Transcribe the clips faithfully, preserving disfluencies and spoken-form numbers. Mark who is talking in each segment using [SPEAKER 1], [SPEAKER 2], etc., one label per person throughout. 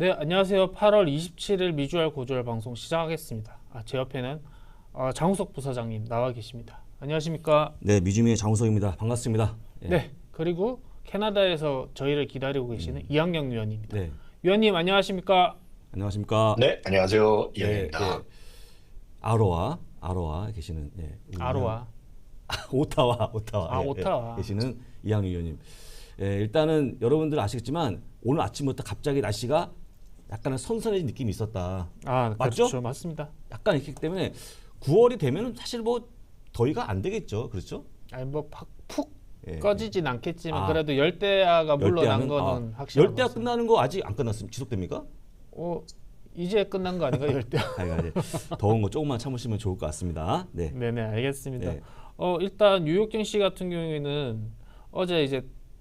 [SPEAKER 1] 네, 안녕하세요. 팔월 이십칠일 미주알 고주알 방송 시작하겠습니다. 아, 제 옆에는 어, 장우석 부사장님 나와 계십니다. 안녕하십니까?
[SPEAKER 2] 네, 미주미의 장우석입니다. 반갑습니다. 예.
[SPEAKER 1] 네, 그리고 캐나다에서 저희를 기다리고 계시는
[SPEAKER 2] 음.
[SPEAKER 1] 이학영 위원입니다.
[SPEAKER 2] 네,
[SPEAKER 1] 위원님 안녕하십니까?
[SPEAKER 2] 안녕하십니까?
[SPEAKER 3] 네, 안녕하세요.
[SPEAKER 2] 네,
[SPEAKER 3] 이현입니다.
[SPEAKER 2] 예. 아로아, 아로아 계시는 예, 우리
[SPEAKER 1] 아로아.
[SPEAKER 2] 이학- 오타와, 오타와,
[SPEAKER 1] 아,
[SPEAKER 2] 예,
[SPEAKER 1] 오타와.
[SPEAKER 2] 예, 계시는 이학영 위원님. 예, 일단은 여러분들 아시겠지만 오늘 아침부터 갑자기 날씨가 약간은 선선해진 느낌이 있었다.
[SPEAKER 1] 아,
[SPEAKER 2] 맞죠?
[SPEAKER 1] 그렇죠. 맞습니다.
[SPEAKER 2] 약간 있기 때문에 구월이 되면은 사실 뭐 더위가 안 되겠죠, 그렇죠?
[SPEAKER 1] 아니 뭐푹
[SPEAKER 2] 예,
[SPEAKER 1] 꺼지진 않겠지만
[SPEAKER 2] 아.
[SPEAKER 1] 그래도 열대야가 물러난
[SPEAKER 2] 열대야는
[SPEAKER 1] 거는
[SPEAKER 2] 아,
[SPEAKER 1] 확실한
[SPEAKER 2] 열대야
[SPEAKER 1] 것 같습니다.
[SPEAKER 2] 끝나는 거 아직 안 끝났습니다. 지속됩니까?
[SPEAKER 1] 어, 이제 끝난 거 아닌가 열대야?
[SPEAKER 2] 아이가 이제 더운 거 조금만 참으시면 좋을 것 같습니다. 네.
[SPEAKER 1] 네네, 알겠습니다.
[SPEAKER 2] 네.
[SPEAKER 1] 어, 일단 뉴욕경 씨 같은 경우에는 어제 이제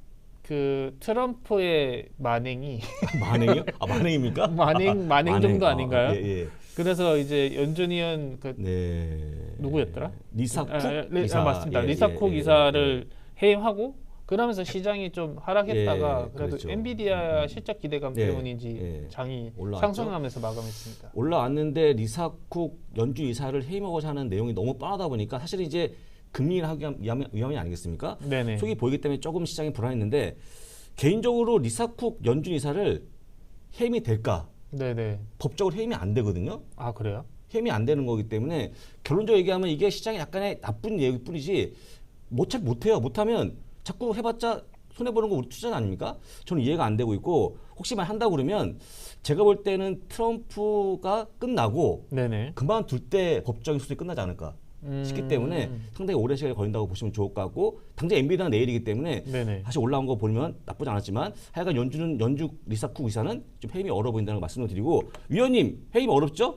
[SPEAKER 1] 그 트럼프의 만행이
[SPEAKER 2] 만행이요? 아 만행입니까?
[SPEAKER 1] 만행 만행 정도 아닌가요?
[SPEAKER 2] 아, 예, 예.
[SPEAKER 1] 그래서 이제 연준위원 그
[SPEAKER 2] 네.
[SPEAKER 1] 누구였더라?
[SPEAKER 2] 리사쿡
[SPEAKER 1] 아, 아, 리-
[SPEAKER 2] 이사.
[SPEAKER 1] 아, 맞습니다.
[SPEAKER 2] 예,
[SPEAKER 1] 리사쿡
[SPEAKER 2] 예, 예,
[SPEAKER 1] 이사를 해임하고 그러면서 시장이 좀 하락했다가
[SPEAKER 2] 예,
[SPEAKER 1] 그래도
[SPEAKER 2] 그렇죠.
[SPEAKER 1] 엔비디아
[SPEAKER 2] 음,
[SPEAKER 1] 실적 기대감
[SPEAKER 2] 예,
[SPEAKER 1] 때문인지
[SPEAKER 2] 예.
[SPEAKER 1] 장이
[SPEAKER 2] 올라왔죠.
[SPEAKER 1] 상승하면서 마감했습니다.
[SPEAKER 2] 올라왔는데 리사쿡 연준 이사를 해임하고자 하는 내용이 너무 뻔하다 보니까 사실 이제 금리 인하하기 위함, 위함이 아니겠습니까?
[SPEAKER 1] 네네.
[SPEAKER 2] 속이 보이기 때문에 조금 시장이 불안했는데 개인적으로 리사쿡 연준 이사를 해임이 될까?
[SPEAKER 1] 네네.
[SPEAKER 2] 법적으로 해임이 안 되거든요.
[SPEAKER 1] 아 그래요?
[SPEAKER 2] 해임이 안 되는 거기 때문에 결론적으로 얘기하면 이게 시장에 약간의 나쁜 얘기일 뿐이지 못잘 못해요. 못하면 자꾸 해봤자 손해 보는 거 우리 투자는 아닙니까? 저는 이해가 안 되고 있고 혹시만 한다고 그러면 제가 볼 때는 트럼프가 끝나고
[SPEAKER 1] 네네.
[SPEAKER 2] 그만둘 때 법적인 수준이 끝나지 않을까 싶기
[SPEAKER 1] 음,
[SPEAKER 2] 때문에 상당히 오랜 시간이 걸린다고 보시면 좋을 것 같고 당장 엔비디아는 내일이기 때문에
[SPEAKER 1] 네네.
[SPEAKER 2] 사실 올라온 거 보면 나쁘지 않았지만 하여간 연준은 연주 리사쿡 이사는 좀 해임이 어려워 보인다는 걸 말씀을 드리고 위원님 해임 어렵죠?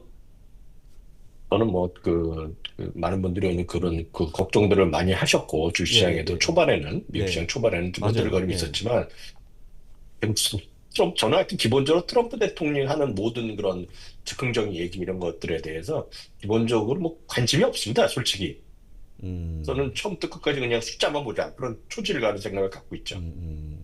[SPEAKER 3] 저는 뭐 그 많은 분들이 오늘 그런 그 걱정들을 많이 하셨고 주시장에도
[SPEAKER 2] 예, 예.
[SPEAKER 3] 초반에는 미국
[SPEAKER 2] 네.
[SPEAKER 3] 시장 초반에는 좀
[SPEAKER 2] 맞아요.
[SPEAKER 3] 흔들거림이
[SPEAKER 2] 예.
[SPEAKER 3] 있었지만 트럼프 저는 하여튼 기본적으로 트럼프 대통령이 하는 모든 그런 즉흥적인 얘기 이런 것들에 대해서 기본적으로 뭐 관심이 없습니다. 솔직히
[SPEAKER 2] 음.
[SPEAKER 3] 저는 처음부터 끝까지 그냥 숫자만 보자 그런 초질가는 생각을 갖고 있죠.
[SPEAKER 2] 음, 음.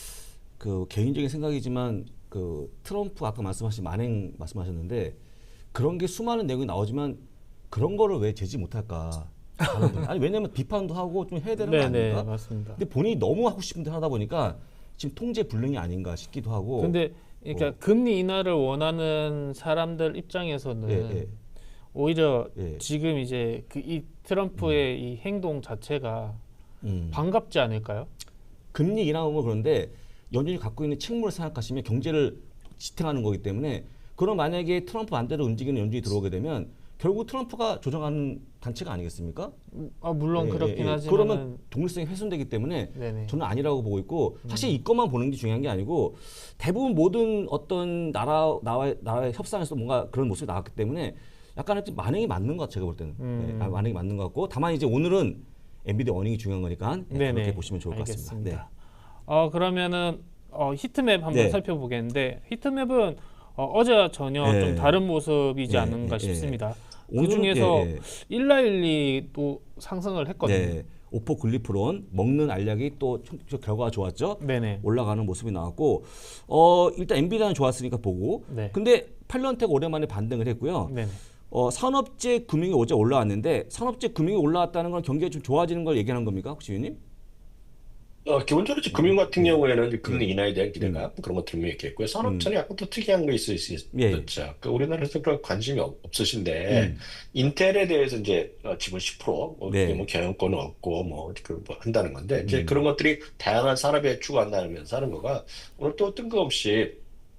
[SPEAKER 2] 그 개인적인 생각이지만 그 트럼프 아까 말씀하신 만행 말씀하셨는데 그런 게 수많은 내용이 나오지만 그런 거를 왜 제지 못할까? 하는 분. 아니 왜냐면 비판도 하고 좀 해야 되는 거
[SPEAKER 1] 네네
[SPEAKER 2] 아닙니까?
[SPEAKER 1] 맞습니다.
[SPEAKER 2] 근데 본인이 너무 하고 싶은 데 하다 보니까 지금 통제 불능이 아닌가 싶기도 하고.
[SPEAKER 1] 근데 그러니까
[SPEAKER 2] 어.
[SPEAKER 1] 금리 인하를 원하는 사람들 입장에서는
[SPEAKER 2] 예, 예.
[SPEAKER 1] 오히려
[SPEAKER 2] 예.
[SPEAKER 1] 지금 이제 그 이 트럼프의 이 행동 자체가
[SPEAKER 2] 음.
[SPEAKER 1] 반갑지 않을까요?
[SPEAKER 2] 금리 인하면 그런데 연준이 갖고 있는 책무를 생각하시면 경제를 지탱하는 거기 때문에 그럼 만약에 트럼프 반대로 움직이는 연준이 들어오게 되면 결국 트럼프가 조정하는 단체가 아니겠습니까?
[SPEAKER 1] 아 물론
[SPEAKER 2] 예,
[SPEAKER 1] 그렇긴
[SPEAKER 2] 예, 예.
[SPEAKER 1] 하지만
[SPEAKER 2] 그러면 독립성이 훼손되기 때문에
[SPEAKER 1] 네네.
[SPEAKER 2] 저는 아니라고 보고 있고 사실 이것만 보는 게 중요한 게 아니고 대부분 모든 어떤 나라 나와의, 나라의 협상에서 뭔가 그런 모습이 나왔기 때문에 약간은 좀 만행이 맞는 것 같아요. 제가 볼 때는
[SPEAKER 1] 음.
[SPEAKER 2] 예, 아, 만행이 맞는 것 같고 다만 이제 오늘은 엔비디아 어닝이 중요한 거니까 예,
[SPEAKER 1] 네네.
[SPEAKER 2] 그렇게 보시면 좋을 것
[SPEAKER 1] 알겠습니다.
[SPEAKER 2] 같습니다.
[SPEAKER 1] 어 그러면은 어, 히트맵 한번
[SPEAKER 2] 네.
[SPEAKER 1] 살펴보겠는데 히트맵은 어, 어제와 전혀
[SPEAKER 2] 네.
[SPEAKER 1] 좀 다른 모습이지
[SPEAKER 2] 네,
[SPEAKER 1] 않은가
[SPEAKER 2] 네,
[SPEAKER 1] 싶습니다. 그
[SPEAKER 2] 오늘은,
[SPEAKER 1] 중에서
[SPEAKER 2] 예, 예.
[SPEAKER 1] 일라일리 또 상승을 했거든요.
[SPEAKER 2] 네, 오포 글리프론 먹는 알약이 또 총- 결과가 좋았죠.
[SPEAKER 1] 네네.
[SPEAKER 2] 올라가는 모습이 나왔고 어 일단 엔비디아는 좋았으니까 보고
[SPEAKER 1] 네.
[SPEAKER 2] 근데 팔런텍 오랜만에 반등을 했고요.
[SPEAKER 1] 네네.
[SPEAKER 2] 어 산업재 금융이 어제 올라왔는데 산업재 금융이 올라왔다는 건 경기가 좀 좋아지는 걸 얘기하는 겁니까 혹시 위원님?
[SPEAKER 3] 어, 기본적으로 이제 금융 같은
[SPEAKER 2] 네.
[SPEAKER 3] 경우에는 이제 금리 인하에 대한 기대감 그런 것들을 얘기했고요. 산업재는 약간 또 특이한 거 있을 수
[SPEAKER 2] 예.
[SPEAKER 3] 있었죠. 그 우리나라에서 그런 관심이 없, 없으신데
[SPEAKER 2] 음.
[SPEAKER 3] 인텔에 대해서 이제 어, 지분 십 퍼센트 뭐,
[SPEAKER 2] 네.
[SPEAKER 3] 그게 뭐 경영권은 없고 뭐, 그, 뭐 한다는 건데 이제
[SPEAKER 2] 음.
[SPEAKER 3] 그런 것들이 다양한 산업에 추구한다면서 하는 거가 오늘 또 뜬금없이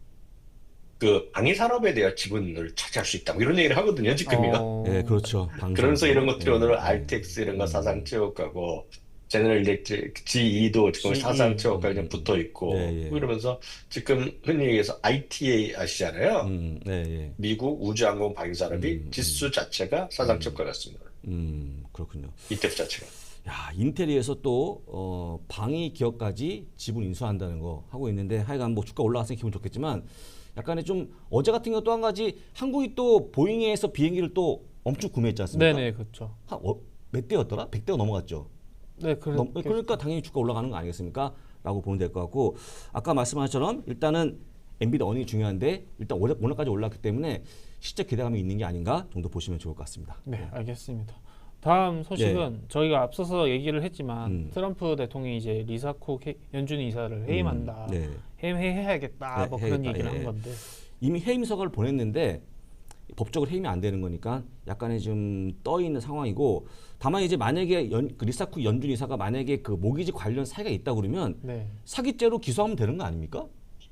[SPEAKER 3] 그 방위 산업에 대한 지분을 차지할 수 있다 뭐 이런 얘기를 하거든요. 지금이가.
[SPEAKER 1] 어,
[SPEAKER 2] 네, 그렇죠. 방송.
[SPEAKER 3] 그러면서 이런 것들이
[SPEAKER 2] 예,
[SPEAKER 3] 오늘
[SPEAKER 2] 예.
[SPEAKER 3] 알텍스 이런 거
[SPEAKER 2] 음.
[SPEAKER 3] 사상 체육하고 제너럴 일렉트릭 지이도 지금
[SPEAKER 1] 지이.
[SPEAKER 3] 사상 체육과
[SPEAKER 2] 음,
[SPEAKER 3] 좀
[SPEAKER 2] 음.
[SPEAKER 3] 붙어 있고
[SPEAKER 2] 예, 예.
[SPEAKER 3] 그러면서 지금 흔히 얘기해서 아이티에이 아시잖아요.
[SPEAKER 2] 음, 네, 예.
[SPEAKER 3] 미국 우주항공 방위 산업이
[SPEAKER 2] 음,
[SPEAKER 3] 지수 자체가 사상 최고가 같습니다.
[SPEAKER 2] 음, 그렇군요.
[SPEAKER 3] 이티에프 자체가.
[SPEAKER 2] 야, 인텔에서 또 어, 방위 기업까지 지분 인수한다는 거 하고 있는데 하여간 뭐 주가 올라갔으니 기분 좋겠지만 약간의 좀 어제 같은 경우 또 한 가지 한국이 또 보잉에서 비행기를 또 엄청 구매했지 않습니까?
[SPEAKER 1] 네네 그렇죠.
[SPEAKER 2] 한, 어, 몇 대였더라? 백 대가 넘어갔죠.
[SPEAKER 1] 네 그래,
[SPEAKER 2] 넘- 그러니까 당연히 주가 올라가는 거 아니겠습니까? 라고 보면 될 것 같고 아까 말씀하신 것처럼 일단은 엔비디아 어닝이 중요한데 일단 오늘, 오늘까지 올랐기 때문에 실적 기대감이 있는 게 아닌가 정도 보시면 좋을 것 같습니다.
[SPEAKER 1] 네, 알겠습니다. 다음 소식은 저희가 앞서서 얘기를 했지만
[SPEAKER 2] 음.
[SPEAKER 1] 트럼프 대통령이 이제 리사코 연준 이사를 해임한다,
[SPEAKER 2] 음, 네.
[SPEAKER 1] 해임해야겠다,
[SPEAKER 2] 네,
[SPEAKER 1] 뭐 그런
[SPEAKER 2] 해야겠다,
[SPEAKER 1] 얘기를
[SPEAKER 2] 예.
[SPEAKER 1] 한 건데.
[SPEAKER 2] 이미 해임 서가를 보냈는데 법적으로 해임이 안 되는 거니까 약간의 좀 떠 있는 상황이고 다만 이제 만약에 연, 그 리사쿠 연준 이사가 만약에 그 모기지 관련 사기가 있다 그러면
[SPEAKER 1] 네.
[SPEAKER 2] 사기죄로 기소하면 되는 거 아닙니까?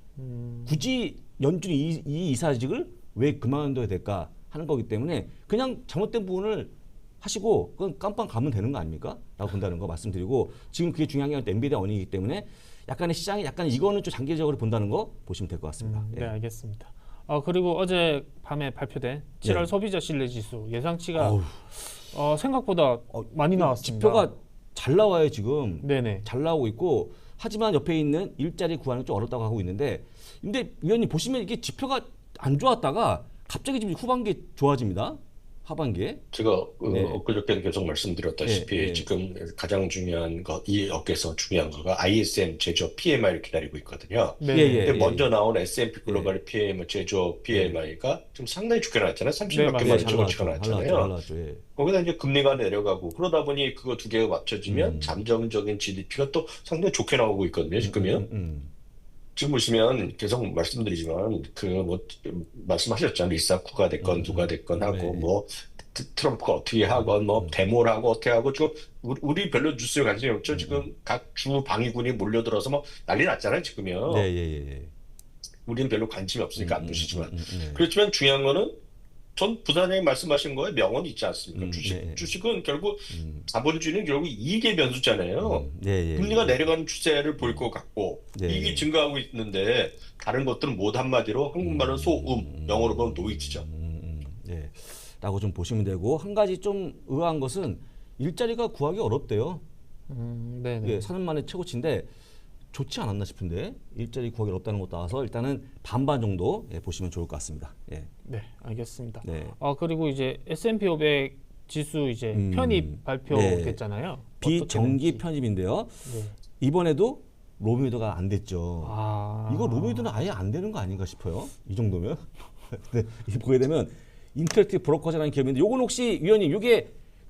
[SPEAKER 1] 음,
[SPEAKER 2] 굳이 연준 이, 이 이사직을 왜 그만둬야 될까 하는 거기 때문에 그냥 잘못된 부분을 하시고 그건 깜빵 가면 되는 거 아닙니까? 라고 본다는 거 말씀드리고 지금 그게 중요한 게 엔비디아 어닝이기 때문에 약간의 시장이 약간 이거는 좀 장기적으로 본다는 거 보시면 될 것 같습니다.
[SPEAKER 1] 음, 네,
[SPEAKER 2] 예.
[SPEAKER 1] 알겠습니다. 어, 그리고 어제 밤에 발표된 칠월
[SPEAKER 2] 네.
[SPEAKER 1] 소비자 신뢰 지수 예상치가
[SPEAKER 2] 어우,
[SPEAKER 1] 어, 생각보다 많이 나왔습니다.
[SPEAKER 2] 지표가 잘 나와요 지금.
[SPEAKER 1] 네네.
[SPEAKER 2] 잘 나오고 있고 하지만 옆에 있는 일자리 구하는 좀 어렵다고 하고 있는데 근데 위원님 보시면 이게 지표가 안 좋았다가 갑자기 지금 후반기에 좋아집니다. 하반기에.
[SPEAKER 3] 제가 어,
[SPEAKER 2] 네.
[SPEAKER 3] 엊그저께는 계속 말씀드렸다시피
[SPEAKER 2] 네, 네.
[SPEAKER 3] 지금 가장 중요한 거, 이 업계에서 중요한 거가 아이에스엠 제조업 피엠아이를 기다리고 있거든요.
[SPEAKER 1] 네.
[SPEAKER 2] 예, 예.
[SPEAKER 3] 근데 먼저 나온 에스 앤 피 글로벌 피엠 제조업 피엠아이가 지금 상당히 좋게 나왔잖아요. 삼십
[SPEAKER 1] 네,
[SPEAKER 3] 몇
[SPEAKER 1] 맞아요.
[SPEAKER 3] 개만
[SPEAKER 2] 잘
[SPEAKER 3] 조금씩
[SPEAKER 2] 나왔죠. 잘
[SPEAKER 3] 나왔잖아요.
[SPEAKER 2] 나왔죠. 잘 나왔죠. 예.
[SPEAKER 3] 거기다 이제 금리가 내려가고 그러다 보니 그거 두 개가 맞춰지면
[SPEAKER 2] 음.
[SPEAKER 3] 잠정적인 지디피가 또 상당히 좋게 나오고 있거든요. 지금요.
[SPEAKER 2] 음, 음,
[SPEAKER 3] 지금 보시면 계속 말씀드리지만 그 뭐 말씀하셨잖아요. 리사쿠가 됐건
[SPEAKER 2] 음,
[SPEAKER 3] 누가 됐건 하고
[SPEAKER 2] 네.
[SPEAKER 3] 뭐 트- 트럼프가 어떻게 하건 뭐
[SPEAKER 2] 음.
[SPEAKER 3] 데모를 하고 어떻게 하고 지금 우리, 우리 별로 뉴스에 관심이 없죠.
[SPEAKER 2] 음,
[SPEAKER 3] 지금 각 주 방위군이 몰려들어서 뭐 난리 났잖아요. 지금요.
[SPEAKER 2] 네, 예, 예, 예.
[SPEAKER 3] 우리는 별로 관심이 없으니까 안
[SPEAKER 2] 음,
[SPEAKER 3] 보시지만
[SPEAKER 2] 음, 음, 네.
[SPEAKER 3] 그렇지만 중요한 거는 전 부사장님 말씀하신 거에 명언이 있지 않습니까?
[SPEAKER 2] 음,
[SPEAKER 3] 주식
[SPEAKER 2] 네.
[SPEAKER 3] 주식은 결국
[SPEAKER 2] 음,
[SPEAKER 3] 자본주의는 결국 이익의 변수잖아요.
[SPEAKER 2] 음, 네, 예,
[SPEAKER 3] 금리가
[SPEAKER 2] 예.
[SPEAKER 3] 내려가는 추세를 보일 것 같고
[SPEAKER 2] 네.
[SPEAKER 3] 이익이 증가하고 있는데 다른 것들은 못 한마디로 한국말은 소음, 영어로 보면 노이즈죠.
[SPEAKER 2] 음, 음, 예. 라고 좀 보시면 되고 한 가지 좀 의아한 것은 일자리가 구하기 어렵대요.
[SPEAKER 1] 음, 네네.
[SPEAKER 2] 예, 사는 만의 최고치인데 좋지 않았나 싶은데 일자리 구하기 어렵다는 것도 나와서 일단은 반반 정도 예, 보시면 좋을 것 같습니다. 예.
[SPEAKER 1] 네, 알겠습니다.
[SPEAKER 2] 네.
[SPEAKER 1] 어, 그리고 이제 에스 앤 피 오백 지수 이제
[SPEAKER 2] 음,
[SPEAKER 1] 편입 발표됐잖아요.
[SPEAKER 2] 비정기
[SPEAKER 1] 어떻게
[SPEAKER 2] 편입인데요.
[SPEAKER 1] 되는지. 네.
[SPEAKER 2] 이번에도 로미오드가 안 됐죠.
[SPEAKER 1] 아,
[SPEAKER 2] 이거 로미오드는 아예 안 되는 거 아닌가 싶어요. 이 정도면. 근데 이게 보게 되면 인터랙티브 브로커즈라는 기업인데 요건 혹시 위원님 이게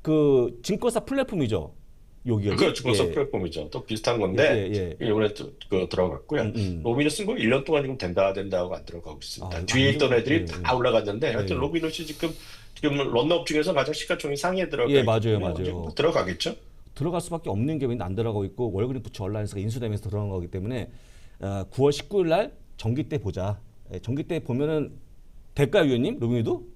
[SPEAKER 2] 그 증권사 플랫폼이죠. 여기가
[SPEAKER 3] 그거 증권사 플랫폼이죠. 또 비슷한 건데
[SPEAKER 2] 예, 예.
[SPEAKER 3] 이번에 또 그 들어갔고요.
[SPEAKER 2] 음, 음.
[SPEAKER 3] 로비넛 쓴 거 일 년 동안 지금 된다 된다 하고 안 들어가고 있습니다.
[SPEAKER 2] 아,
[SPEAKER 3] 뒤에
[SPEAKER 2] 안
[SPEAKER 3] 있던
[SPEAKER 2] 들어-
[SPEAKER 3] 애들이
[SPEAKER 2] 예,
[SPEAKER 3] 다
[SPEAKER 2] 예.
[SPEAKER 3] 올라갔는데
[SPEAKER 2] 예,
[SPEAKER 3] 하여튼
[SPEAKER 2] 예.
[SPEAKER 3] 로비넛이 지금 지금 런너업 중에서 가장 시가총액 상위에 들어가
[SPEAKER 2] 예,
[SPEAKER 3] 있기
[SPEAKER 2] 맞아요,
[SPEAKER 3] 때문에
[SPEAKER 2] 맞아요.
[SPEAKER 3] 언제 뭐 들어가겠죠.
[SPEAKER 2] 들어갈 수밖에 없는 기업인데 안 들어가고 있고 월그린푸치 얼라이언스가 인수되면서 들어간 거기 때문에 어, 구월 십구일 날 정기 때 보자. 예, 정기 때 보면은 될까요, 위원님? 로미오드?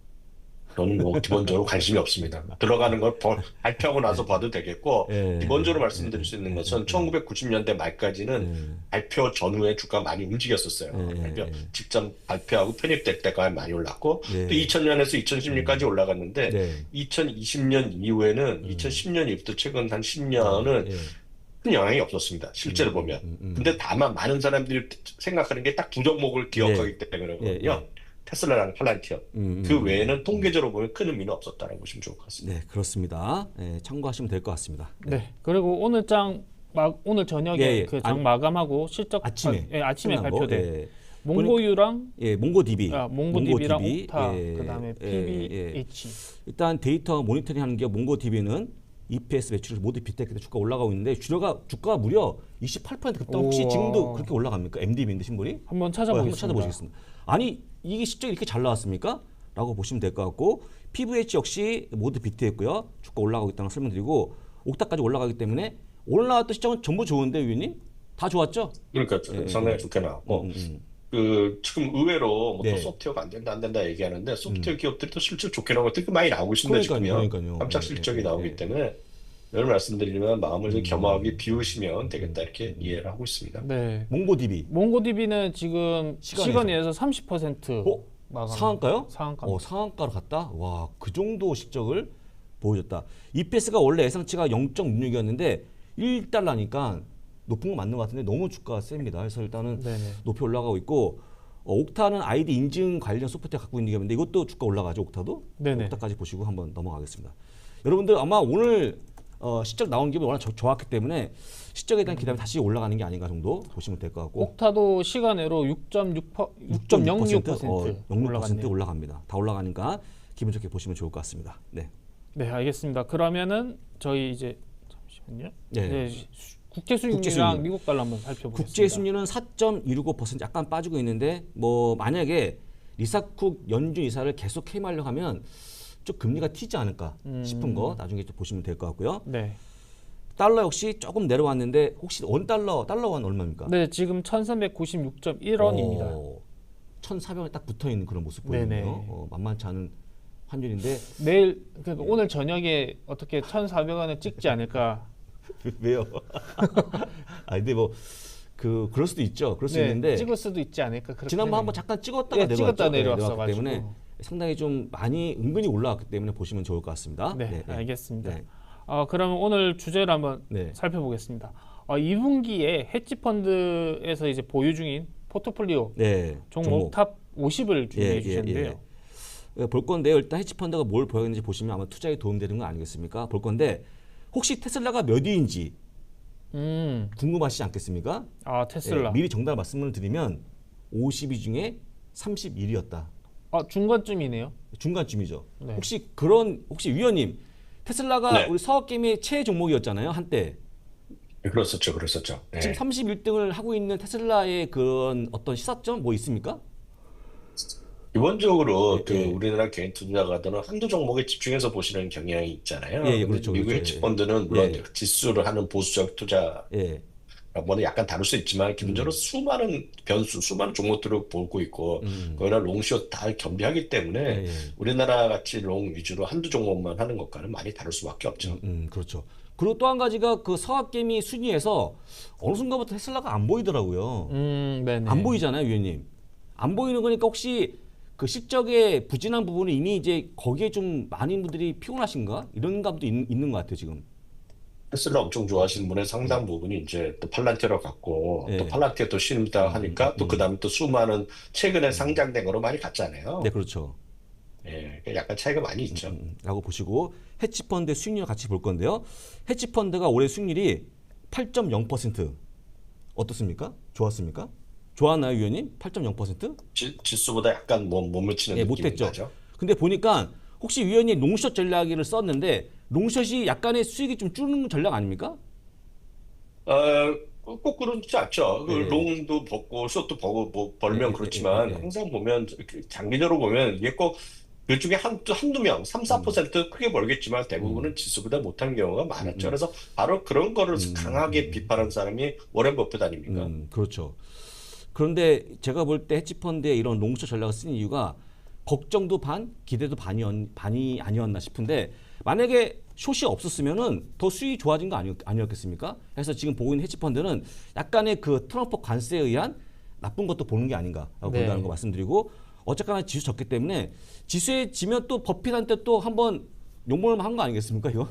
[SPEAKER 3] 저는 뭐 기본적으로 관심이 없습니다. 들어가는 걸 버- 발표하고 나서 봐도 되겠고
[SPEAKER 2] 예.
[SPEAKER 3] 기본적으로 말씀드릴 수 있는 것은 천구백구십 년대 말까지는
[SPEAKER 2] 예.
[SPEAKER 3] 발표 전후에 주가 많이 움직였었어요.
[SPEAKER 2] 예,
[SPEAKER 3] 발표
[SPEAKER 2] 예.
[SPEAKER 3] 직전 발표하고 편입될 때가 많이 올랐고
[SPEAKER 2] 예.
[SPEAKER 3] 또 이천 년에서 이천십 년까지 올라갔는데
[SPEAKER 2] 네.
[SPEAKER 3] 이천이십 년 이후에는 이천십 년 이후부터 최근 한 십 년은
[SPEAKER 2] 예.
[SPEAKER 3] 큰 영향이 없었습니다. 실제로 보면.
[SPEAKER 2] 음, 음.
[SPEAKER 3] 근데 다만 많은 사람들이 생각하는 게 딱 두 종목을 기억하기 때문이거든요.
[SPEAKER 2] 예, 예.
[SPEAKER 3] 테슬라랑 팔란티엄.
[SPEAKER 2] 음,
[SPEAKER 3] 그
[SPEAKER 2] 음.
[SPEAKER 3] 외에는 통계적으로 보면 큰 의미는 없었다는 보시면 좋을 것 같습니다.
[SPEAKER 2] 네, 그렇습니다. 예, 참고하시면 될 것 같습니다.
[SPEAKER 1] 네. 그리고 오늘 장 막 오늘 저녁에
[SPEAKER 2] 예, 예.
[SPEAKER 1] 그 장
[SPEAKER 2] 아,
[SPEAKER 1] 마감하고 실적
[SPEAKER 2] 아침에
[SPEAKER 1] 아, 예, 아침에
[SPEAKER 2] 끝난 거,
[SPEAKER 1] 발표된
[SPEAKER 2] 예.
[SPEAKER 1] 몽고유랑
[SPEAKER 2] 예, 몽고디비.
[SPEAKER 1] 아, 몽고디비랑
[SPEAKER 2] 몽고디비,
[SPEAKER 1] 옥타
[SPEAKER 2] 예,
[SPEAKER 1] 그다음에
[SPEAKER 2] 예,
[SPEAKER 1] 피비에이치.
[SPEAKER 2] 일단 데이터 모니터링하는 게 몽고디비는 이피에스 매출을 모두 빗대기 주가 올라가고 있는데 주가가 주가가 무려 이십팔 퍼센트 급등. 혹시
[SPEAKER 1] 우와.
[SPEAKER 2] 지금도 그렇게 올라갑니까? 엠디비인데 신물이?
[SPEAKER 1] 한번
[SPEAKER 2] 어,
[SPEAKER 1] 찾아보겠습니다.
[SPEAKER 2] 한번 찾아보시겠습니다. 아니 이게 실적이 이렇게 잘 나왔습니까? 라고 보시면 될 것 같고 피비에이치 역시 모두 비트했고요. 주가 올라가고 있다는 걸 설명드리고 옥타까지 올라가기 때문에 오늘 나왔던 시장은 전부 좋은데 위원님? 다 좋았죠?
[SPEAKER 3] 그러니까
[SPEAKER 2] 예,
[SPEAKER 3] 상당히
[SPEAKER 2] 예.
[SPEAKER 3] 좋게 나왔고
[SPEAKER 2] 음, 음.
[SPEAKER 3] 그 지금 의외로 뭐또
[SPEAKER 2] 네.
[SPEAKER 3] 소프트웨어가 안 된다 안 된다 얘기하는데 소프트웨어 기업들이 또 실적 좋게 나오고 되게 많이 나오고 있습니다.
[SPEAKER 2] 그러니까요,
[SPEAKER 3] 지금요.
[SPEAKER 2] 그러니까요.
[SPEAKER 3] 깜짝
[SPEAKER 2] 예,
[SPEAKER 3] 실적이
[SPEAKER 2] 예,
[SPEAKER 3] 나오기
[SPEAKER 2] 예.
[SPEAKER 3] 때문에 늘 말씀드리면 마음을 좀
[SPEAKER 2] 음.
[SPEAKER 3] 겸허하게 비우시면 되겠다 이렇게 이해를 하고 있습니다.
[SPEAKER 1] 네.
[SPEAKER 2] 몽고디비
[SPEAKER 1] 몽고디비는 지금
[SPEAKER 2] 시간에서.
[SPEAKER 1] 시간에서 삼십 퍼센트
[SPEAKER 2] 어?
[SPEAKER 1] 마감.
[SPEAKER 2] 상한가요?
[SPEAKER 1] 상한가.
[SPEAKER 2] 어, 상한가로 갔다? 와, 그 정도 실적을 보여줬다. 이피에스가 원래 예상치가 영 점 육육이었는데 일 달러니까 높은 거 맞는 것 같은데 너무 주가가 셉니다. 그래서 일단은
[SPEAKER 1] 네네.
[SPEAKER 2] 높이 올라가고 있고 어, 옥타는 아이디 인증 관련 소프트웨어 갖고 있는 기업인데 이것도 주가 올라가죠. 옥타도?
[SPEAKER 1] 네네.
[SPEAKER 2] 옥타까지 보시고 한번 넘어가겠습니다. 여러분들 아마 오늘 어, 실적 나온 게 워낙 저- 좋았기 때문에 실적에 대한 기대감이 다시 올라가는 게 아닌가 정도 보시면 될 것 같고
[SPEAKER 1] 옥타도 시간으로 육 점 영육 퍼센트
[SPEAKER 2] 어, 영육 퍼센트
[SPEAKER 1] 올라갔네요.
[SPEAKER 2] 올라갑니다. 다 올라가니까 기분 좋게 보시면 좋을 것 같습니다. 네.
[SPEAKER 1] 네, 알겠습니다. 그러면은 저희 이제 잠시만요.
[SPEAKER 2] 네.
[SPEAKER 1] 네, 수- 국제 수익률이랑
[SPEAKER 2] 국제 수익률.
[SPEAKER 1] 미국 달러 한번 살펴보겠습니다.
[SPEAKER 2] 국제 수익률은 사 점 일육오 퍼센트 약간 빠지고 있는데 뭐 만약에 리사쿡 연준 이사를 계속 해임하려고 하면 좀 금리가 튀지 않을까 싶은 거 나중에 좀 보시면 될 것 같고요.
[SPEAKER 1] 네.
[SPEAKER 2] 달러 역시 조금 내려왔는데 혹시 원 달러 달러 원 얼마입니까?
[SPEAKER 1] 네, 지금 천삼백구십육 점 일 원입니다.
[SPEAKER 2] 어, 천사백에 딱 붙어 있는 그런 모습
[SPEAKER 1] 네네.
[SPEAKER 2] 보이네요. 어, 만만치 않은 환율인데
[SPEAKER 1] 내일 그러니까 오늘 저녁에 어떻게 천사백 원을 찍지 않을까?
[SPEAKER 2] 왜요? 아 근데 뭐 그 그럴 수도 있죠. 그럴 수
[SPEAKER 1] 네,
[SPEAKER 2] 있는데
[SPEAKER 1] 찍을 수도 있지 않을까? 그렇게
[SPEAKER 2] 지난번 한번
[SPEAKER 1] 생각해요.
[SPEAKER 2] 잠깐 찍었다가
[SPEAKER 1] 예,
[SPEAKER 2] 내려왔죠.
[SPEAKER 1] 찍었다
[SPEAKER 2] 네,
[SPEAKER 1] 내려왔어
[SPEAKER 2] 내려왔기
[SPEAKER 1] 가지고.
[SPEAKER 2] 때문에 상당히 좀 많이 은근히 올라왔기 때문에 보시면 좋을 것 같습니다.
[SPEAKER 1] 네, 알겠습니다.
[SPEAKER 2] 네.
[SPEAKER 1] 어, 그러면 오늘 주제를 한번
[SPEAKER 2] 네.
[SPEAKER 1] 살펴보겠습니다. 어, 이 분기에 헤지 펀드에서 이제 보유 중인 포트폴리오
[SPEAKER 2] 네.
[SPEAKER 1] 종목, 탑 오십을 준비해
[SPEAKER 2] 예, 예,
[SPEAKER 1] 주셨는데요.
[SPEAKER 2] 예. 볼 건데요. 일단 헤지펀드가 뭘 보였는지 보시면 아마 투자에 도움되는 거 아니겠습니까? 볼 건데 혹시 테슬라가 몇 위인지
[SPEAKER 1] 음,
[SPEAKER 2] 궁금하시지 않겠습니까?
[SPEAKER 1] 아 테슬라.
[SPEAKER 2] 예, 미리 정답 말씀을 드리면 오십 위 중에 삼십일 위였다.
[SPEAKER 1] 아 중간쯤이네요.
[SPEAKER 2] 중간쯤이죠.
[SPEAKER 1] 네.
[SPEAKER 2] 혹시 그런 혹시 위원님 테슬라가
[SPEAKER 3] 네.
[SPEAKER 2] 우리 서학게임의 최애 종목이었잖아요 한때.
[SPEAKER 3] 그랬었죠, 그랬었죠. 네.
[SPEAKER 2] 지금 삼십일 등을 하고 있는 테슬라의 그런 어떤 시사점 뭐 있습니까?
[SPEAKER 3] 기본적으로
[SPEAKER 2] 예,
[SPEAKER 3] 그
[SPEAKER 2] 예.
[SPEAKER 3] 우리나라 개인 투자가들은 한두 종목에 집중해서 보시는 경향이 있잖아요.
[SPEAKER 2] 예, 예,
[SPEAKER 3] 근데
[SPEAKER 2] 그렇죠,
[SPEAKER 3] 미국
[SPEAKER 2] 그렇죠.
[SPEAKER 3] 헤지
[SPEAKER 2] 예.
[SPEAKER 3] 펀드는 물론
[SPEAKER 2] 예.
[SPEAKER 3] 지수를 하는 보수적 투자
[SPEAKER 2] 예.
[SPEAKER 3] 뭐는 약간 다를 수 있지만 기본적으로
[SPEAKER 2] 음.
[SPEAKER 3] 수많은 변수, 수많은 종목들을 보고 있고
[SPEAKER 2] 음.
[SPEAKER 3] 거기다 롱숏 다 겸비하기 때문에
[SPEAKER 2] 예, 예.
[SPEAKER 3] 우리나라 같이 롱 위주로 한두 종목만 하는 것과는 많이 다를 수밖에 없죠.
[SPEAKER 2] 음, 음, 그렇죠. 그리고 또 한 가지가 그 서학게임이 순위에서 어느 순간부터 테슬라가 안 보이더라고요.
[SPEAKER 1] 음, 네네.
[SPEAKER 2] 안 보이잖아요, 위원님. 안 보이는 거니까 혹시 그 실적의 부진한 부분은 이미 이제 거기에 좀 많은 분들이 피곤하신가? 이런 감도 있, 있는 것 같아요, 지금.
[SPEAKER 3] 테슬라 엄청 좋아하시는 분의 상당 부분이 이제 또 팔란티어로 갔고
[SPEAKER 2] 예.
[SPEAKER 3] 또 팔란티어 또 신다 하니까 또
[SPEAKER 2] 음.
[SPEAKER 3] 그다음에 또 수많은 최근에 상장된 거로 많이 갔잖아요.
[SPEAKER 2] 네, 그렇죠.
[SPEAKER 3] 예, 그러니까 약간 차이가 많이 있죠.
[SPEAKER 2] 음, 라고 보시고 헤지펀드 수익률 같이 볼 건데요. 헤지펀드가 올해 수익률이 팔 점 영 퍼센트 어떻습니까? 좋았습니까? 좋았나요, 위원님? 팔 점 영 퍼센트?
[SPEAKER 3] 지, 지수보다 약간 뭐 몸을 치는
[SPEAKER 2] 예,
[SPEAKER 3] 느낌이
[SPEAKER 2] 못했죠.
[SPEAKER 3] 나죠.
[SPEAKER 2] 근데 보니까 혹시 위원님 롱숏 전략을 썼는데 롱숏이 약간의 수익이 좀 줄는 전략 아닙니까?
[SPEAKER 3] 어, 꼭 그렇지 않죠. 그
[SPEAKER 2] 예.
[SPEAKER 3] 롱도 벗고 숏도 벗고 뭐 벌면
[SPEAKER 2] 예, 예,
[SPEAKER 3] 그렇지만
[SPEAKER 2] 예, 예.
[SPEAKER 3] 항상 보면 그 장기적으로 보면 이게 꼭 그중에 한, 한두 명, 삼, 사 퍼센트 크게 벌겠지만 대부분은 지수보다 못한 경우가 많았죠. 그래서 바로 그런 거를 강하게 비판한 사람이 워렌 버핏 아닙니까?
[SPEAKER 2] 음, 그렇죠. 그런데 제가 볼 때 헤지펀드의 이런 롱숏 전략을 쓴 이유가 걱정도 반, 기대도 반이, 반이 아니었나 싶은데 만약에 숏이 없었으면은 더 수익이 좋아진 거 아니, 아니었겠습니까? 그래서 지금 보고 있는 헤지펀드는 약간의 그 트럼프 관세에 의한 나쁜 것도 보는 게 아닌가라고
[SPEAKER 1] 네.
[SPEAKER 2] 본다는 거 말씀드리고 어쨌거나 지수 졌기 때문에 지수에 지면 또 버핏한테 또 한번 욕먹을 만한 거 아니겠습니까 이거?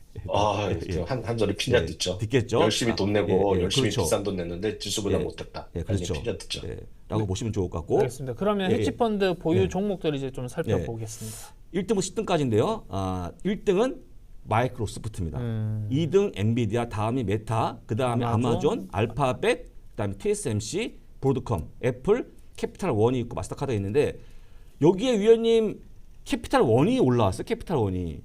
[SPEAKER 3] 아,
[SPEAKER 2] 예, 예.
[SPEAKER 3] 한, 한 소리 핀잔
[SPEAKER 2] 예,
[SPEAKER 3] 듣죠.
[SPEAKER 2] 듣겠죠.
[SPEAKER 3] 열심히 돈 내고
[SPEAKER 2] 아, 예, 예,
[SPEAKER 3] 열심히
[SPEAKER 2] 그렇죠.
[SPEAKER 3] 비싼 돈 냈는데 지수보다
[SPEAKER 2] 예.
[SPEAKER 3] 못했다.
[SPEAKER 2] 예,
[SPEAKER 3] 아니,
[SPEAKER 2] 그렇죠.
[SPEAKER 3] 핀잔 듣죠.
[SPEAKER 2] 예, 라고 보시면 좋을 것 같고
[SPEAKER 1] 알겠습니다. 그러면
[SPEAKER 2] 예, 예.
[SPEAKER 1] 헤지펀드 보유
[SPEAKER 2] 네.
[SPEAKER 1] 종목들 이제 좀 살펴보겠습니다.
[SPEAKER 2] 일 등부터 십 등까지인데요. 아, 일 등은 마이크로소프트입니다.
[SPEAKER 1] 음.
[SPEAKER 2] 이 등 엔비디아, 다음이 메타, 그 다음에
[SPEAKER 1] 아마존,
[SPEAKER 2] 아마존, 알파벳, 그 다음에 티에스엠씨, 브로드컴, 애플, 캐피탈 원이 있고 마스터카드가 있는데 여기에 위원님 캐피탈 원이 올라왔어요. 캐피탈 원이.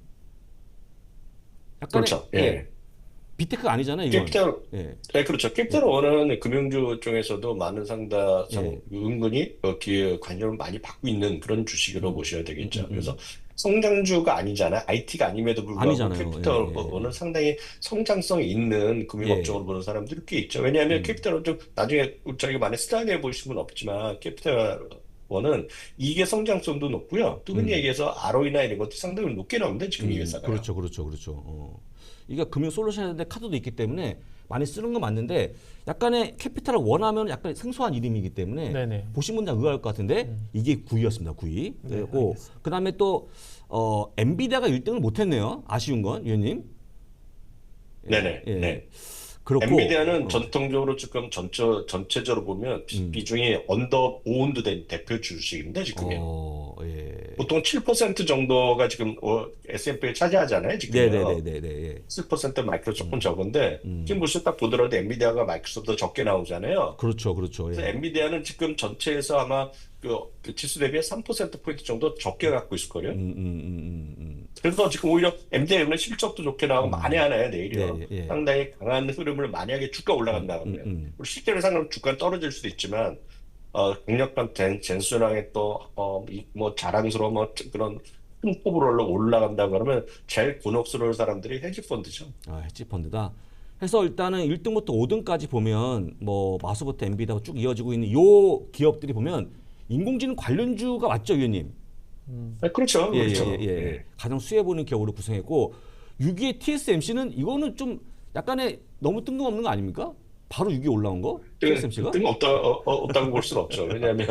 [SPEAKER 2] 약간의,
[SPEAKER 3] 그렇죠. 예.
[SPEAKER 2] 비테크가 아니잖아요. 이건.
[SPEAKER 3] 캐피탈,
[SPEAKER 2] 예.
[SPEAKER 3] 네, 그렇죠. 캐피탈 원은 금융주 중에서도 많은 상다, 상,
[SPEAKER 2] 예.
[SPEAKER 3] 은근히 여기에 관심을 많이 받고 있는 그런 주식으로
[SPEAKER 2] 음.
[SPEAKER 3] 보셔야 되겠죠.
[SPEAKER 2] 음, 음, 음.
[SPEAKER 3] 그래서 성장주가 아니잖아요. 아이티가 아님에도 불구하고
[SPEAKER 2] 아니잖아요.
[SPEAKER 3] 캐피탈
[SPEAKER 2] 예, 예,
[SPEAKER 3] 원은
[SPEAKER 2] 예.
[SPEAKER 3] 상당히 성장성이 있는 금융업종으로 보는 사람들이 꽤 있죠. 왜냐하면
[SPEAKER 2] 음.
[SPEAKER 3] 캐피탈 원 좀 나중에 저희가 많이 스타일해 보시는 분 없지만 캐피탈 원은 이게 성장성도 높고요. 또 흔히
[SPEAKER 2] 음.
[SPEAKER 3] 얘기해서 알오이나 이런 것도 상당히 높게 나오는데 지금 이
[SPEAKER 2] 음,
[SPEAKER 3] 회사가.
[SPEAKER 2] 그렇죠, 그렇죠, 그렇죠. 어. 이게 금융 솔루션인데 카드도 있기 때문에 많이 쓰는 건 맞는데 약간의 캐피탈을 원하면 약간 생소한 이름이기 때문에
[SPEAKER 1] 네네.
[SPEAKER 2] 보신 분들 의아할 것 같은데
[SPEAKER 1] 음.
[SPEAKER 2] 이게 구 위였습니다. 구 위.
[SPEAKER 1] 네,
[SPEAKER 2] 그리고
[SPEAKER 1] 알겠습니다.
[SPEAKER 2] 그 다음에 또 어, 엔비디아가 일 등을 못했네요. 아쉬운 건 위원님. 예,
[SPEAKER 3] 네네.
[SPEAKER 2] 예.
[SPEAKER 3] 네.
[SPEAKER 2] 그렇고
[SPEAKER 3] 엔비디아는
[SPEAKER 2] 어,
[SPEAKER 3] 전통적으로 지금 전체, 전체적으로 보면 비,
[SPEAKER 2] 음.
[SPEAKER 3] 비중이 언더 오운드 된 대표 주식인데 지금요.
[SPEAKER 2] 어, 예.
[SPEAKER 3] 보통 칠 퍼센트 정도가 지금 어, 에스 앤 피를 차지하잖아요. 지금요.
[SPEAKER 2] 네네네네. 예.
[SPEAKER 3] 칠 퍼센트 마이크로 조금 적은데
[SPEAKER 2] 음.
[SPEAKER 3] 지금 보시면 딱 보더라도 엔비디아가 마이크로소프트보다 적게 나오잖아요.
[SPEAKER 2] 그렇죠, 그렇죠.
[SPEAKER 3] 그래서
[SPEAKER 2] 예.
[SPEAKER 3] 엔비디아는 지금 전체에서 아마 그, 그 지수 대비해 삼 퍼센트 포인트 정도 적게 갖고 있을 거예요.
[SPEAKER 2] 음, 음, 음, 음,
[SPEAKER 3] 그래서 지금 오히려 엔비디아는 실적도 좋게 나오고 많이 하나요, 내일이요.
[SPEAKER 2] 예, 예.
[SPEAKER 3] 상당히 강한 흐름을 만약에 주가 올라간다
[SPEAKER 2] 음,
[SPEAKER 3] 그러면.
[SPEAKER 2] 음.
[SPEAKER 3] 그리고 실제로 상황 주가는 떨어질 수도 있지만, 어, 강력한 젠, 젠순왕의 또, 어, 이, 뭐 자랑스러운 뭐 그런 큰 폭으로 올라간다 그러면 제일 곤혹스러울 사람들이 헤지펀드죠.
[SPEAKER 2] 아, 헤지 펀드다. 해서 일단은 일 등부터 오 등까지 보면 뭐 마수부터 엔비디아가 쭉 이어지고 있는 요 기업들이 보면 인공지능 관련주가 맞죠, 위원님?
[SPEAKER 3] 네, 그렇죠,
[SPEAKER 2] 예,
[SPEAKER 3] 그렇죠.
[SPEAKER 2] 예, 예, 예. 가장 수혜 보는 기업으로 구성했고 육 위의 티에스엠씨는 이거는 좀 약간의 너무 뜬금없는 거 아닙니까? 바로 육 위에 올라온 거? 티에스엠씨가?
[SPEAKER 3] 뜬없다, 어, 어, 없다고 볼 수는 없죠. 왜냐하면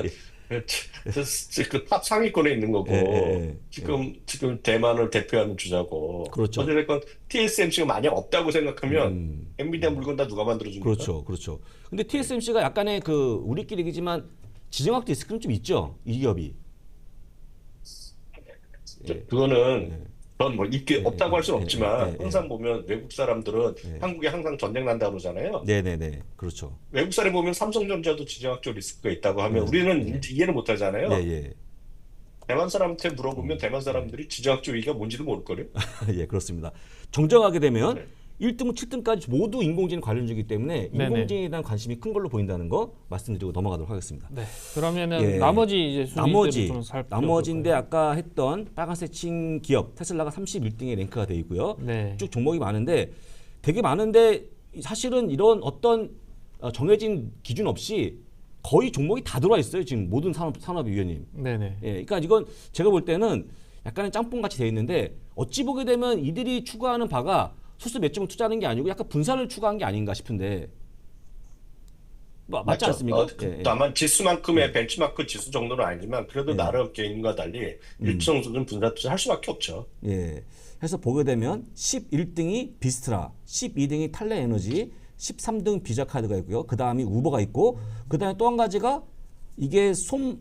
[SPEAKER 3] 그탑 상위권에 있는 거고
[SPEAKER 2] 예, 예, 예.
[SPEAKER 3] 지금 지금 대만을 대표하는 주자고.
[SPEAKER 2] 그렇죠.
[SPEAKER 3] 어쨌든 티에스엠씨가 만약 없다고 생각하면
[SPEAKER 2] 음.
[SPEAKER 3] 엔비디아 물건 다 누가 만들어줍니까?
[SPEAKER 2] 그렇죠, 그렇죠. 근데 티에스엠씨가 약간의 그 우리끼리 얘기지만 지정학 디스크는 좀 있죠, 이 기업이.
[SPEAKER 3] 저- 그거는
[SPEAKER 2] 예.
[SPEAKER 3] 그건 뭐 있게
[SPEAKER 2] 예,
[SPEAKER 3] 없다고 할 수는
[SPEAKER 2] 예,
[SPEAKER 3] 없지만
[SPEAKER 2] 예, 예,
[SPEAKER 3] 항상 보면 외국 사람들은
[SPEAKER 2] 예.
[SPEAKER 3] 한국에 항상 전쟁 난다 그러잖아요.
[SPEAKER 2] 네네네, 그렇죠.
[SPEAKER 3] 외국 사람이 보면 삼성전자도 지정학적 리스크가 있다고 하면 우리는 이해를 못 하잖아요.
[SPEAKER 2] 예, 예.
[SPEAKER 3] 대만 사람한테 물어보면 대만 사람들이 지정학적 위기가 뭔지도 모를 거예요.
[SPEAKER 2] 예, 그렇습니다. 정정하게 되면
[SPEAKER 3] 네.
[SPEAKER 2] 일 등부터 칠 등까지 모두 인공지능 관련주이기 때문에
[SPEAKER 1] 네네.
[SPEAKER 2] 인공지능에 대한 관심이 큰 걸로 보인다는 거 말씀드리고 넘어가도록 하겠습니다.
[SPEAKER 1] 네. 그러면은
[SPEAKER 2] 예.
[SPEAKER 1] 나머지 이제 순위들을
[SPEAKER 2] 나머지
[SPEAKER 1] 좀 살펴볼까요?
[SPEAKER 2] 나머지인데 아까 했던 빨간색 친 기업 테슬라가 삼십일 등에 랭크가 돼 있고요.
[SPEAKER 1] 네.
[SPEAKER 2] 쭉 종목이 많은데 되게 많은데 사실은 이런 어떤 어, 정해진 기준 없이 거의 종목이 다 들어와 있어요. 지금 모든 산업 산업이 위원님.
[SPEAKER 1] 네네.
[SPEAKER 2] 예, 그러니까 이건 제가 볼 때는 약간의 짬뽕 같이 돼 있는데 어찌 보게 되면 이들이 추구하는 바가 소수 몇 점을 투자하는 게 아니고 약간 분산을 추구한 게 아닌가 싶은데 마- 맞지
[SPEAKER 3] 맞죠?
[SPEAKER 2] 않습니까?
[SPEAKER 3] 어, 그,
[SPEAKER 2] 예, 예.
[SPEAKER 3] 다만 지수만큼의 벤치마크 지수 정도는 아니지만 그래도
[SPEAKER 2] 예.
[SPEAKER 3] 나름 개인과 달리
[SPEAKER 2] 음.
[SPEAKER 3] 일정 수준 분산 투자할 수밖에 없죠.
[SPEAKER 2] 예. 해서 보게 되면 십일 등이 비스트라, 십이 등이 탈레에너지, 십삼 등 비자카드가 있고요. 그 다음이 우버가 있고, 그 다음에 또 한 가지가 이게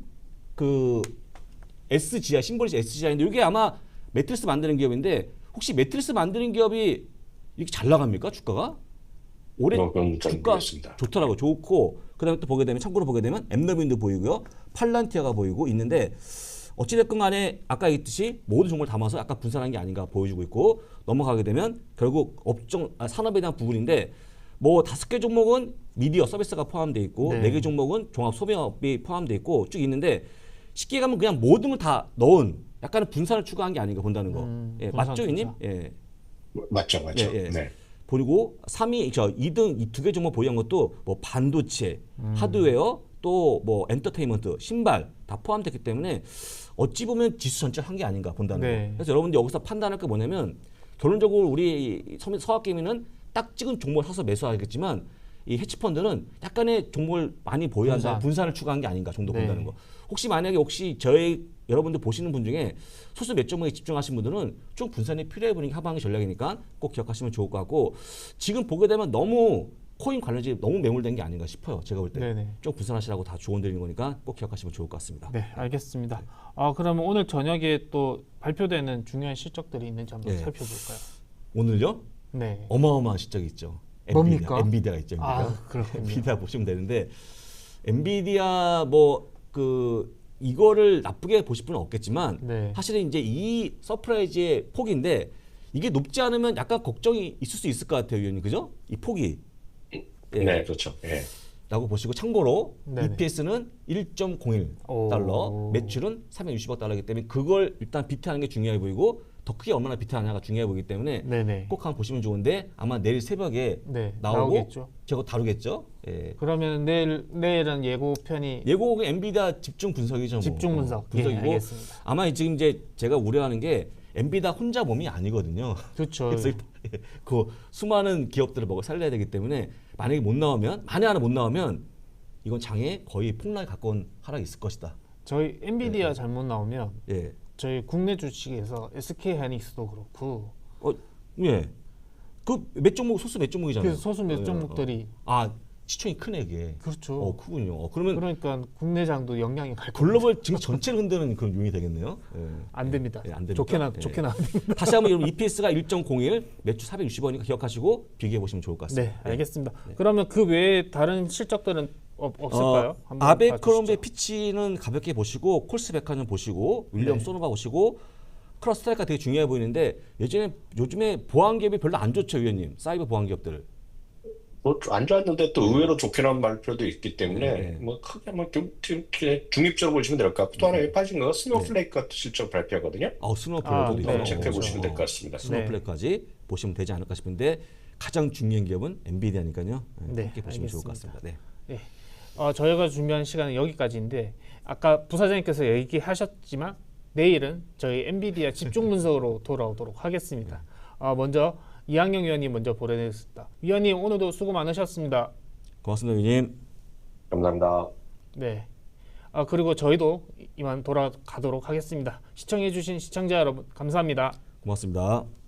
[SPEAKER 2] 솜그 에스지아이 심볼이 에스지아이인데 이게 아마 매트리스 만드는 기업인데 혹시 매트리스 만드는 기업이 이렇게 잘 나갑니까 주가가? 올해
[SPEAKER 3] 어, 그건 잘
[SPEAKER 2] 주가
[SPEAKER 3] 모르겠습니다.
[SPEAKER 2] 좋더라고 좋고 그다음에 또 보게 되면 참고로 보게 되면 엠너빈도 보이고요, 팔란티아가 보이고 있는데 어찌됐건 간에 아까 얘기했듯이 모든 종목을 담아서 약간 분산한 게 아닌가 보여주고 있고 넘어가게 되면 결국 업종 아, 산업에 대한 부분인데 뭐 다섯 개 종목은 미디어 서비스가 포함돼 있고
[SPEAKER 1] 네.
[SPEAKER 2] 네 개 종목은 종합 소비업이 포함돼 있고 쭉 있는데 쉽게 가면 그냥 모든 걸 다 넣은 약간의 분산을 추구한 게 아닌가 본다는 거.
[SPEAKER 1] 음,
[SPEAKER 2] 예,
[SPEAKER 1] 분산
[SPEAKER 2] 맞죠, 이님?
[SPEAKER 1] 투자.
[SPEAKER 2] 예.
[SPEAKER 3] 맞죠, 맞죠.
[SPEAKER 2] 예, 예.
[SPEAKER 3] 네.
[SPEAKER 2] 그리고 삼 위, 저 이 등 이 두 개 종목 보유한 것도 뭐 반도체,
[SPEAKER 1] 음.
[SPEAKER 2] 하드웨어, 또 뭐 엔터테인먼트, 신발 다 포함됐기 때문에 어찌 보면 지수 전체를 한 게 아닌가 본다는
[SPEAKER 1] 네.
[SPEAKER 2] 거. 그래서 여러분들 여기서 판단할 게 뭐냐면 결론적으로 우리 서- 서학개미는 딱 찍은 종목을 사서 매수하겠지만 이 해치펀드는 약간의 종목을 많이 보유한다
[SPEAKER 1] 분산.
[SPEAKER 2] 분산을 추구한 게 아닌가 정도
[SPEAKER 1] 네.
[SPEAKER 2] 본다는 거. 혹시 만약에 혹시 저희 여러분들 보시는 분 중에 소수 몇 종목에 집중하신 분들은 좀 분산이 필요해 보이는 게 하방의 전략이니까 꼭 기억하시면 좋을 것 같고 지금 보게 되면 너무 코인 관련지 너무 매몰된 게 아닌가 싶어요. 제가 볼 때.
[SPEAKER 1] 네네.
[SPEAKER 2] 좀 분산하시라고 다 조언 드리는 거니까 꼭 기억하시면 좋을 것 같습니다.
[SPEAKER 1] 네, 알겠습니다. 아, 그러면 오늘 저녁에 또 발표되는 중요한 실적들이 있는지 한번
[SPEAKER 2] 예.
[SPEAKER 1] 살펴볼까요?
[SPEAKER 2] 오늘요?
[SPEAKER 1] 네.
[SPEAKER 2] 어마어마한 실적이 있죠.
[SPEAKER 1] 뭡니까?
[SPEAKER 2] 엔비디아 있죠. 엔비디아.
[SPEAKER 1] 아, 그렇군요.
[SPEAKER 2] 엔비디아 보시면 되는데 엔비디아 뭐 그 이거를 나쁘게 보실 분은 없겠지만
[SPEAKER 1] 네.
[SPEAKER 2] 사실은 이제 이 서프라이즈의 폭인데 이게 높지 않으면 약간 걱정이 있을 수 있을 것 같아요, 위원님. 그죠? 이 폭이. 예.
[SPEAKER 3] 네, 그렇죠. 예.
[SPEAKER 2] 라고 보시고 참고로
[SPEAKER 1] 네네.
[SPEAKER 2] 이피에스는 일 점 공일
[SPEAKER 1] 오.
[SPEAKER 2] 달러, 매출은 삼백육십억 달러이기 때문에 그걸 일단 비트하는 게 중요해 보이고 더 크게 얼마나 비트하냐가 중요해 보이기 때문에
[SPEAKER 1] 네네.
[SPEAKER 2] 꼭 한번 보시면 좋은데 아마 내일 새벽에
[SPEAKER 1] 네,
[SPEAKER 2] 나오고
[SPEAKER 1] 나오겠죠.
[SPEAKER 2] 제가 다루겠죠. 예.
[SPEAKER 1] 그러면 내일 내일은 예고편이
[SPEAKER 2] 예고가 엔비디아 집중 분석이죠. 뭐.
[SPEAKER 1] 집중 분석.
[SPEAKER 2] 어, 분석이고
[SPEAKER 1] 예, 알겠습니다.
[SPEAKER 2] 아마 지금 이제 제가 우려하는 게 엔비디아 혼자 몸이 아니거든요.
[SPEAKER 1] 그렇죠.
[SPEAKER 2] 그래서 일단 그 수많은 기업들을 먹어 살려야 되기 때문에 만약에 못 나오면 만에 하나 못 나오면 이건 장에 거의 폭락에 가까운 하락이 있을 것이다.
[SPEAKER 1] 저희 엔비디아 잘못 나오면
[SPEAKER 2] 예.
[SPEAKER 1] 저희 국내 주식에서 에스케이하이닉스도 그렇고
[SPEAKER 2] 어, 예. 그 몇 종목 소수 몇 종목이잖아요.
[SPEAKER 1] 그래서 소수 몇
[SPEAKER 2] 예,
[SPEAKER 1] 종목들이
[SPEAKER 2] 어. 아, 시총이 크네 그게.
[SPEAKER 1] 그렇죠.
[SPEAKER 2] 어 크군요. 어, 그러면
[SPEAKER 1] 그러니까 국내장도 영향이 갈 겁니다.
[SPEAKER 2] 글로벌 증시 전체를 흔드는 그런 요인이 되겠네요. 예.
[SPEAKER 1] 안 됩니다.
[SPEAKER 2] 예, 안 됩니까?
[SPEAKER 1] 좋게 나
[SPEAKER 2] 예.
[SPEAKER 1] 좋게 나.
[SPEAKER 2] 다시 한번 여러분 이피에스가 일 점 공일, 매출 사백육십 원이니까 기억하시고 비교해 보시면 좋을 것
[SPEAKER 1] 네,
[SPEAKER 2] 같습니다.
[SPEAKER 1] 알겠습니다. 그러면 그 외에 다른 실적들은 없, 없을까요?
[SPEAKER 2] 어,
[SPEAKER 1] 한번
[SPEAKER 2] 아베크롬베
[SPEAKER 1] 봐주시죠.
[SPEAKER 2] 피치는 가볍게 보시고 콜스베카는 보시고 윌리엄
[SPEAKER 1] 네.
[SPEAKER 2] 소노바 보시고 크로스트라이크가 되게 중요해 보이는데 예전에 요즘에 보안 기업이 별로 안 좋죠, 위원님. 사이버 보안 기업들.
[SPEAKER 3] 뭐 안 좋았는데 또 의외로 좋게 나온 발표도 있기 때문에
[SPEAKER 2] 네.
[SPEAKER 3] 뭐 크게 뭐 중- 중- 중립적으로 보시면 될 것 같고 또 하나
[SPEAKER 2] 네.
[SPEAKER 3] 빠진 거 스노우플레이크 같은 실적 발표하거든요.
[SPEAKER 2] 어, 스노우플레이크도
[SPEAKER 1] 아,
[SPEAKER 2] 있어요.
[SPEAKER 1] 네,
[SPEAKER 3] 어, 체크해
[SPEAKER 1] 그렇죠.
[SPEAKER 3] 보시면 될 것 같습니다.
[SPEAKER 2] 스노우플레이크까지 보시면 되지 않을까 싶은데 가장 중요한 기업은 엔비디아니까요.
[SPEAKER 1] 네,
[SPEAKER 2] 함께 보시면 좋을 것
[SPEAKER 1] 알겠습니다.
[SPEAKER 2] 같습니다. 네.
[SPEAKER 1] 어, 저희가 준비한 시간은 여기까지인데 아까 부사장님께서 얘기하셨지만 내일은 저희 엔비디아 집중 분석으로 돌아오도록 하겠습니다. 어, 먼저 이항영 위원님 먼저 보내드리겠습니다. 위원님 오늘도 수고 많으셨습니다.
[SPEAKER 2] 고맙습니다, 위원님.
[SPEAKER 3] 감사합니다.
[SPEAKER 1] 네. 아, 그리고 저희도 이만 돌아가도록 하겠습니다. 시청해주신 시청자 여러분 감사합니다.
[SPEAKER 2] 고맙습니다.